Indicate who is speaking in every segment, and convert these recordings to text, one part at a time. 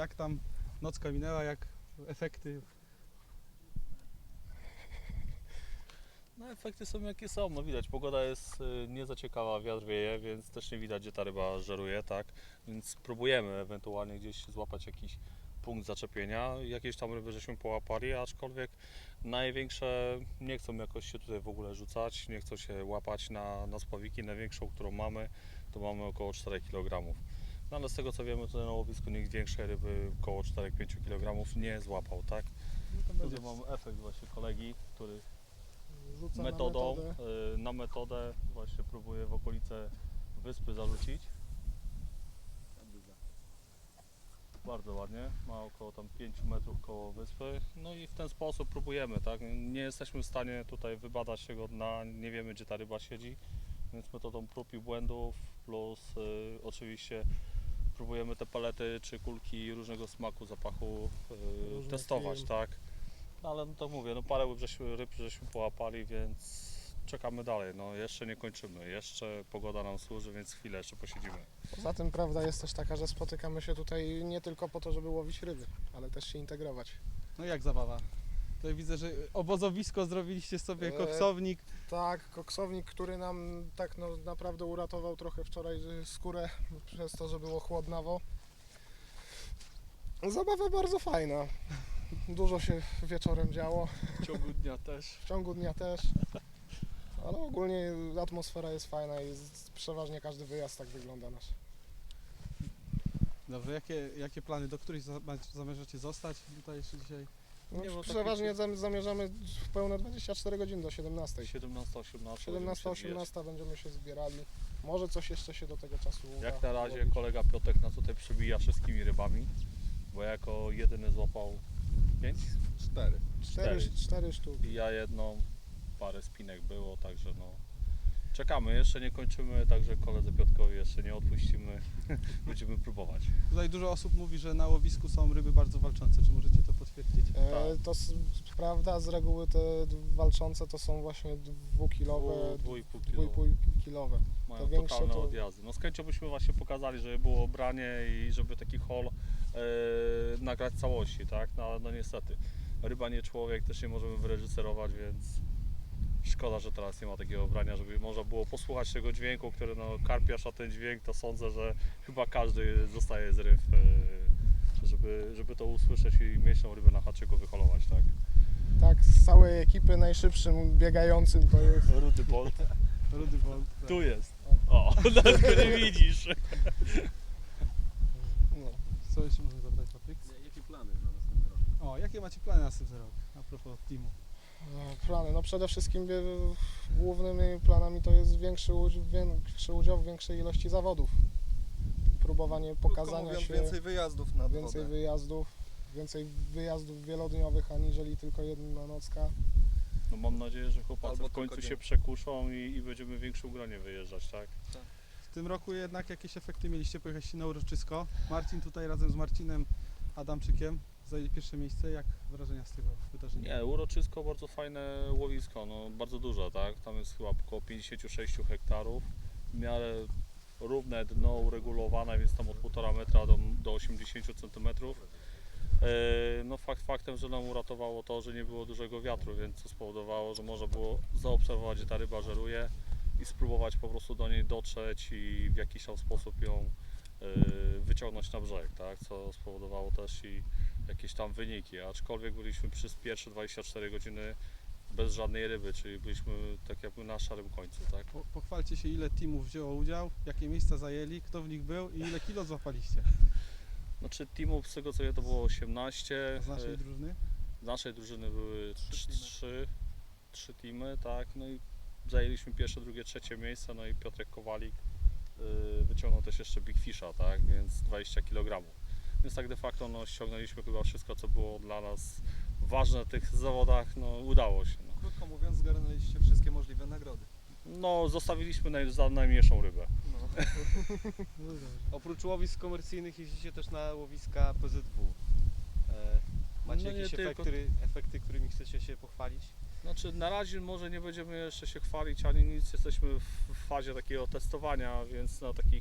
Speaker 1: jak tam nocka minęła, jak efekty?
Speaker 2: No efekty są jakie są, no widać, pogoda jest nie za ciekawa, wiatr wieje, więc też nie widać, gdzie ta ryba żeruje, tak? Więc próbujemy ewentualnie gdzieś złapać jakiś punkt zaczepienia. Jakieś tam ryby żeśmy połapali, aczkolwiek największe nie chcą jakoś się tutaj w ogóle rzucać, nie chcą się łapać na spławiki. Największą, którą mamy, to mamy około 4 kg. No ale z tego co wiemy, tutaj na łowisku nikt większej ryby około 4-5 kg nie złapał, tak?
Speaker 1: No to będzie
Speaker 2: Tutaj mamy efekt właśnie kolegi, który
Speaker 3: Rzuca
Speaker 2: metodą,
Speaker 3: na metodę.
Speaker 2: na metodę właśnie próbuję w okolice wyspy zarzucić. Bardzo ładnie, ma około tam 5 metrów koło wyspy. No i w ten sposób próbujemy, tak? Nie jesteśmy w stanie tutaj wybadać tego dna, nie wiemy gdzie ta ryba siedzi, więc metodą prób i błędów plus oczywiście próbujemy te palety czy kulki różnego smaku, zapachu
Speaker 3: Różne
Speaker 2: testować,
Speaker 3: film.
Speaker 2: tak? No ale no to mówię, no parę ryb żeśmy połapali, więc czekamy dalej. No jeszcze nie kończymy, jeszcze pogoda nam służy, więc chwilę jeszcze posiedzimy.
Speaker 3: Poza tym prawda jest też taka, że spotykamy się tutaj nie tylko po to, żeby łowić ryby, ale też się integrować.
Speaker 1: No jak zabawa? Tutaj widzę, że obozowisko zrobiliście sobie, koksownik.
Speaker 3: Tak, koksownik, który nam tak no, naprawdę uratował trochę wczoraj skórę przez to, że było chłodnawo. Zabawa bardzo fajna. Dużo się wieczorem działo,
Speaker 2: W ciągu dnia też.
Speaker 3: w ciągu dnia też. Ale ogólnie atmosfera jest fajna i przeważnie każdy wyjazd tak wygląda nasz.
Speaker 1: Dobrze, jakie plany, do których zamierzacie zostać tutaj jeszcze dzisiaj?
Speaker 3: No,
Speaker 2: Nie, bo
Speaker 3: przeważnie zamierzamy w pełne 24 godziny do 17.
Speaker 2: 17-18.
Speaker 3: 17-18 będziemy się zbierali. Może coś jeszcze się do tego czasu uda.
Speaker 2: Jak na razie
Speaker 3: zrobić.
Speaker 2: kolega Piotrek nas tutaj przebija wszystkimi rybami, bo jako jedyny złapał 5
Speaker 3: Cztery sztuki.
Speaker 2: i ja jedną, parę spinek było, także no czekamy, jeszcze nie kończymy, także koledze Piotrkowi jeszcze nie odpuścimy, będziemy próbować.
Speaker 1: Tutaj dużo osób mówi, że na łowisku są ryby bardzo walczące. Czy możecie to potwierdzić?
Speaker 3: To prawda, z reguły te walczące to są właśnie dwukilowe,
Speaker 2: 2,5
Speaker 3: kilowe.
Speaker 2: Mają
Speaker 3: to większe
Speaker 2: totalne
Speaker 3: to-
Speaker 2: odjazdy. No z chęcią byśmy właśnie pokazali, żeby było obranie i żeby taki haul nagrać całości, tak? No niestety, ryba nie człowiek, też nie możemy wyreżyserować, więc szkoda, że teraz nie ma takiego obrania, żeby można było posłuchać tego dźwięku, który no karpiarz, a ten dźwięk to sądzę, że chyba każdy zostaje z ryb, żeby to usłyszeć i mieć tą rybę na haczyku, wyholować, tak?
Speaker 3: Tak, z całej ekipy najszybszym biegającym to jest.
Speaker 2: Rudy Bolt,
Speaker 1: Rudy Bolt. Tak.
Speaker 2: tu jest. O, nawet go nie widzisz.
Speaker 3: No.
Speaker 1: Co jeszcze można zapytać, Patryk?
Speaker 4: Jakie plany na następny rok?
Speaker 1: O, jakie macie plany na następny rok? A propos teamu.
Speaker 3: Plany. No przede wszystkim głównymi planami to jest większy udział w większej ilości zawodów. Próbowanie pokazania
Speaker 4: mówiąc,
Speaker 3: się,
Speaker 4: więcej wyjazdów nad
Speaker 3: więcej
Speaker 4: wodę.
Speaker 3: więcej wyjazdów wielodniowych aniżeli tylko jedna nocka.
Speaker 2: No mam nadzieję, że chłopacy
Speaker 4: Albo
Speaker 2: w końcu
Speaker 4: tylko
Speaker 2: się
Speaker 4: dzień.
Speaker 2: przekuszą i będziemy w większym gronie wyjeżdżać, tak?
Speaker 1: W tym roku jednak jakieś efekty mieliście, pojechaliście na uroczysko. Marcin tutaj razem z Marcinem Adamczykiem zajęli pierwsze miejsce. Jak wrażenia z tego wydarzenia?
Speaker 2: Nie, uroczysko bardzo fajne łowisko, no bardzo duże, tak? Tam jest chyba około 56 hektarów, w miarę równe dno uregulowane, więc tam od 1,5 metra do 80 cm. No faktem, że nam uratowało to, że nie było dużego wiatru, więc to spowodowało, że można było zaobserwować, gdzie ta ryba żeruje i spróbować po prostu do niej dotrzeć i w jakiś tam sposób ją wyciągnąć na brzeg, tak? Co spowodowało też i jakieś tam wyniki, aczkolwiek byliśmy przez pierwsze 24 godziny bez żadnej ryby, czyli byliśmy tak jakby na szarym końcu, tak?
Speaker 1: Pochwalcie się, ile teamów wzięło udział, jakie miejsca zajęli, kto w nich był i ile kilo złapaliście
Speaker 2: Znaczy teamów z tego co ja to było 18,
Speaker 1: z naszej drużyny.
Speaker 2: z naszej drużyny były
Speaker 4: Trzy
Speaker 2: trzy teamy, tak? No i zajęliśmy pierwsze, drugie, trzecie miejsce, no i Piotrek Kowalik wyciągnął też jeszcze Big Fisha, tak? Więc 20 kg. Więc tak de facto no, ściągnęliśmy chyba wszystko, co było dla nas ważne w tych zawodach, no udało się. No,
Speaker 4: Krótko mówiąc, zgarnęliście wszystkie możliwe nagrody.
Speaker 2: no zostawiliśmy za najmniejszą rybę.
Speaker 4: No.
Speaker 5: Oprócz łowisk komercyjnych jeździcie też na łowiska PZW. Macie
Speaker 2: No nie
Speaker 5: jakieś
Speaker 2: tylko.
Speaker 5: efekty, którymi chcecie się pochwalić?
Speaker 2: Znaczy na razie może nie będziemy jeszcze się chwalić ani nic, jesteśmy w fazie takiego testowania, więc na takich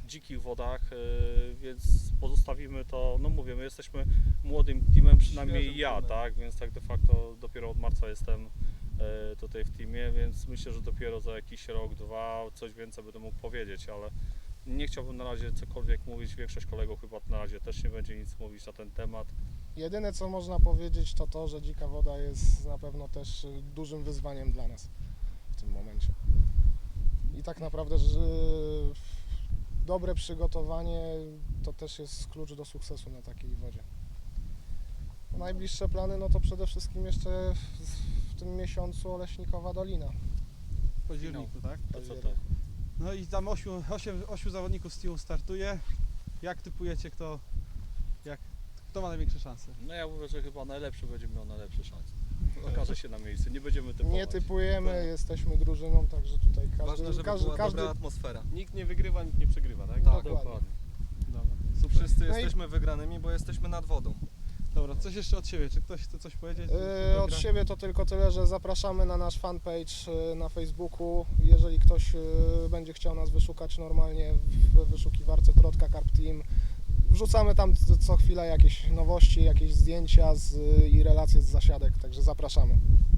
Speaker 2: dzikich wodach, więc pozostawimy to, no mówię, my jesteśmy młodym teamem, przynajmniej
Speaker 4: Świeżym
Speaker 2: ja,
Speaker 4: teamem.
Speaker 2: tak, więc tak de facto dopiero od marca jestem tutaj w teamie, więc myślę, że dopiero za jakiś rok, dwa coś więcej będę mógł powiedzieć, ale nie chciałbym na razie cokolwiek mówić, większość kolegów chyba na razie też nie będzie nic mówić na ten temat.
Speaker 3: Jedyne co można powiedzieć to to, że dzika woda jest na pewno też dużym wyzwaniem dla nas w tym momencie. I tak naprawdę, że dobre przygotowanie to też jest klucz do sukcesu na takiej wodzie. Najbliższe plany no to przede wszystkim jeszcze w tym miesiącu Oleśnikowa Dolina.
Speaker 1: W październiku, tak?
Speaker 2: To co to?
Speaker 1: No i tam 8 zawodników z teamu startuje. Jak typujecie, kto ma największe szanse?
Speaker 2: No ja mówię, że chyba najlepszy będzie miał najlepsze szanse. Okaże się na miejscu, nie będziemy typować.
Speaker 3: Nie typujemy,
Speaker 2: Tak.
Speaker 3: jesteśmy drużyną, także tutaj
Speaker 4: Ważne, żeby była dobra atmosfera.
Speaker 5: Nikt nie wygrywa, nikt nie przegrywa, tak?
Speaker 4: Tak,
Speaker 3: dokładnie.
Speaker 1: Dobra, super.
Speaker 4: Wszyscy
Speaker 3: No i-
Speaker 4: jesteśmy wygranymi, bo jesteśmy nad wodą.
Speaker 1: Dobra, coś jeszcze od siebie, czy ktoś chce coś powiedzieć?
Speaker 3: Od siebie to tylko tyle, że zapraszamy na nasz fanpage na Facebooku. Jeżeli ktoś będzie chciał nas wyszukać normalnie w wyszukiwarce Trotka Carp Team, wrzucamy tam co chwilę jakieś nowości, jakieś zdjęcia i relacje z zasiadek, także zapraszamy.